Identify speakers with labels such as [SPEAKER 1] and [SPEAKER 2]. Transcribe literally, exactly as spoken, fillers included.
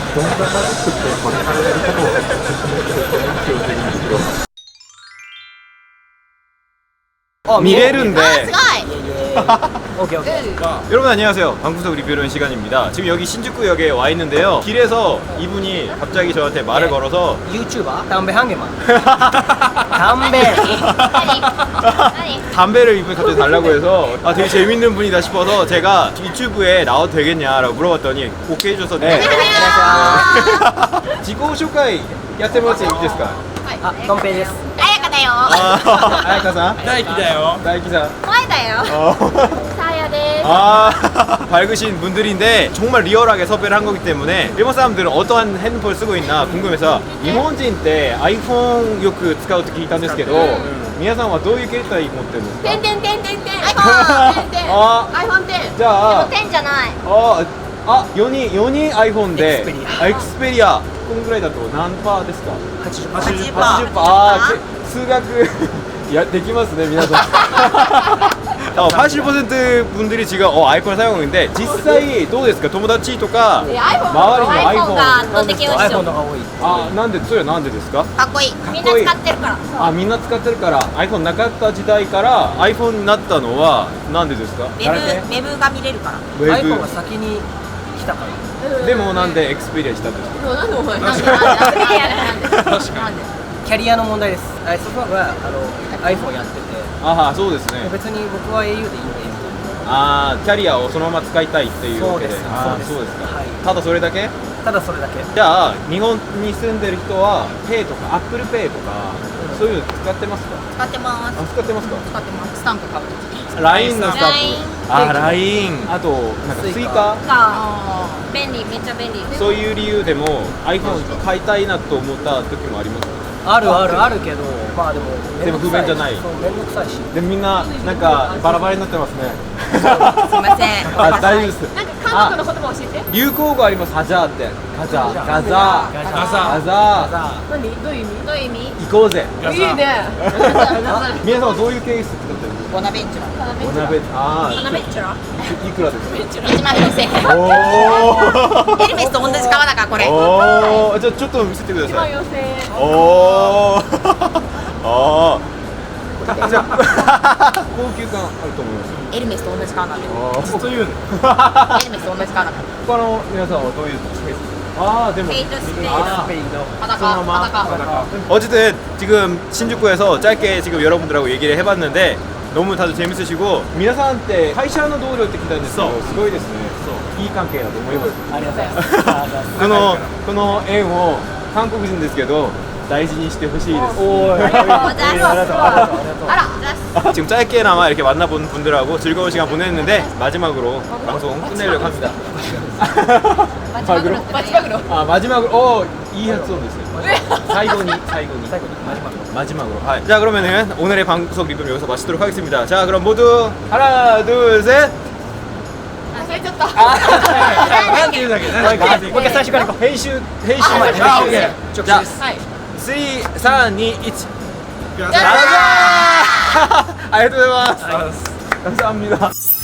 [SPEAKER 1] どんなマジックってこれからやり方を説明していただきたいんですけど。
[SPEAKER 2] 어,
[SPEAKER 3] 미래른데.
[SPEAKER 4] 아, 스가이.
[SPEAKER 2] 오케이 오케이.
[SPEAKER 3] 여러분 안녕하세요. 방구석 리뷰론 시간입니다. 지금 여기 신주쿠역에 와 있는데요. 길에서 이분이 갑자기 저한테 말을
[SPEAKER 2] 네.
[SPEAKER 3] 걸어서
[SPEAKER 2] 유튜버 담배 한 개만. 담배.
[SPEAKER 4] 아니. 아니.
[SPEAKER 3] 담배를 이분이 갑자기 달라고 해서 아 되게 재밌는 분이다 싶어서 제가 유튜브에 나와도 되겠냐라고 물어봤더니 오케이 해줘서 네.
[SPEAKER 2] 안녕하세요.
[SPEAKER 3] 지고 쇼카이 야테もらっていいですか?
[SPEAKER 2] 아, 덤페です.
[SPEAKER 4] 아야카다요.
[SPEAKER 3] 아, 아야카さん?
[SPEAKER 5] 다이키다요.
[SPEAKER 3] 다이키さん.
[SPEAKER 4] 와이다요.
[SPEAKER 3] 어.
[SPEAKER 4] 사야데스.
[SPEAKER 3] 아 밝으신 분들인데 정말 리얼하게 섭외를 한 거기 때문에 일본 사람들은 어떠한 핸드폰을 쓰고 있나 궁금해서 일본인 때 아이폰 よく使うと聞いたんですけど皆さんはどういう携帯持ってるんですか?
[SPEAKER 4] てんてんてんてんてん。iPhone てんてん。
[SPEAKER 3] あ
[SPEAKER 4] iPhone てん。
[SPEAKER 3] じゃあ
[SPEAKER 4] てんじゃない。
[SPEAKER 3] ああよにんよにん iPhone で
[SPEAKER 2] エクスペリア
[SPEAKER 3] あエクスペリアこんぐらいだと何パーですか?
[SPEAKER 2] はちじゅうパーセント。
[SPEAKER 4] はちじゅっパーセント。
[SPEAKER 3] はちじゅっパーあーけ数学いやできますね皆さん어, 팔십 퍼센트 분들이 지금 어, 아이폰을 사용하고 있는데実際どうですか? 友達とか周りの
[SPEAKER 4] 아이폰が圧倒的美味しい。
[SPEAKER 2] iPhone の方が多い。
[SPEAKER 3] あ、なんでそれはなんでですか?
[SPEAKER 4] かっこいい。みんな使ってるから。
[SPEAKER 3] あ、みんな使ってるから iPhone なかった時代から iPhone になったのはなんでですか?
[SPEAKER 4] ウェブウェブが見れるから。
[SPEAKER 3] ウェ
[SPEAKER 2] iPhone
[SPEAKER 3] ブ
[SPEAKER 2] が先に来たから。
[SPEAKER 3] でもなんでエクスペリアしたんですか?
[SPEAKER 4] なんでお前なんでなんでなんでなんでなんで
[SPEAKER 2] キャリアの問題です。あそこはあの iPhone やってて、
[SPEAKER 3] ああ、そうですね。
[SPEAKER 2] 別に僕は エーユー でいいんでみたいな。
[SPEAKER 3] ああ、キャリアをそのまま使いたいっていうわけで。
[SPEAKER 2] そうです
[SPEAKER 3] あー
[SPEAKER 2] そうです
[SPEAKER 3] そうですか。
[SPEAKER 2] はい
[SPEAKER 3] ただそれだけ?
[SPEAKER 2] ただそれだけ。
[SPEAKER 3] じゃあ日本に住んでる人は Pay とか Apple Pay とかそういうの使ってますか?
[SPEAKER 4] 使ってます。
[SPEAKER 3] あ、使ってますか?
[SPEAKER 4] 使ってます。スタンプ買うとき。
[SPEAKER 3] ライン のスタン
[SPEAKER 4] ライン
[SPEAKER 3] プ。あ、ライン。あとなんかスイカ
[SPEAKER 4] が便利めっちゃ便利。
[SPEAKER 3] そういう理由でも iPhone 買いたいなと思った時もありますか?
[SPEAKER 2] あるあるあるけど、まあでも
[SPEAKER 3] でも不便じゃない。
[SPEAKER 2] そう面倒くさいし。
[SPEAKER 3] でみんななんかバラバラになってますね。
[SPEAKER 4] すいません。
[SPEAKER 3] あ、大丈夫です。
[SPEAKER 4] なんか韓国の言葉教えて。
[SPEAKER 3] 流行語あります。ハジャーって。ガザー。ガザー。
[SPEAKER 2] ガザ
[SPEAKER 3] ガザー。
[SPEAKER 4] 何どういう意味？どういう意味？
[SPEAKER 3] 行こうぜ。
[SPEAKER 4] いいね。
[SPEAKER 3] 皆さんはどういうケース使ってるんですか?
[SPEAKER 4] ボナベンチュラ。
[SPEAKER 3] お鍋。あ
[SPEAKER 4] ボナベンチュラ。
[SPEAKER 3] ーいくらですか?
[SPEAKER 4] いちまんごせんえん。
[SPEAKER 3] おー
[SPEAKER 4] エルメスと同じ革だからこれ。
[SPEAKER 3] おーじゃあちょっと見せてください。
[SPEAKER 4] よんせんえん。
[SPEAKER 3] おーあーじゃあ高級感あると思います。
[SPEAKER 4] エルメスと同じ革なんで。
[SPEAKER 3] ずっと言うの
[SPEAKER 4] エルメスと同じ革なんで。
[SPEAKER 3] 他の皆さんはどういうケース? 아, 네, 뭐.
[SPEAKER 4] 페이드 스페이스.
[SPEAKER 3] 아,
[SPEAKER 4] 바다가 바다가.
[SPEAKER 3] 어쨌든 지금 신주쿠에서 짧게 지금 여러분들하고 얘기를 해봤는데 너무 다들 재밌으시고 미나산한테 회사の同僚って聞いたんですけどすごいですね。いい関係だと思います。
[SPEAKER 2] ありがとうございます。
[SPEAKER 3] このこの縁を韓国人ですけど大事にしてほしいです。
[SPEAKER 2] おー、ありがとうありがとうありがとう。
[SPEAKER 4] 알아.
[SPEAKER 3] 지금 짧게나마 이렇게 만나본 분들하고 즐거운 시간 보냈는데 마지막으로 방송 끝내려고 합니다.
[SPEAKER 4] 마지막으로. 마지막으로.
[SPEAKER 3] 아 마지막으로 어 이 학송 됐어요. 사이고니 사이고니
[SPEAKER 2] 마지막으로.
[SPEAKER 3] 마지막으로. 아, 자 그러면은 오늘의 방구석 리뷰 여기서 마치도록 하겠습니다. 자 그럼 모두 하나 둘 셋.
[SPEAKER 4] 아, 살쪘다.
[SPEAKER 3] 한ていうだけね。
[SPEAKER 2] もう一回最初から行こう。
[SPEAKER 3] 編集編集
[SPEAKER 2] あ
[SPEAKER 3] 編集
[SPEAKER 2] あ OK
[SPEAKER 3] じゃあ
[SPEAKER 4] はい。
[SPEAKER 3] さんさんにいち
[SPEAKER 4] じゃあ
[SPEAKER 3] ありがとうございます。감사합니다.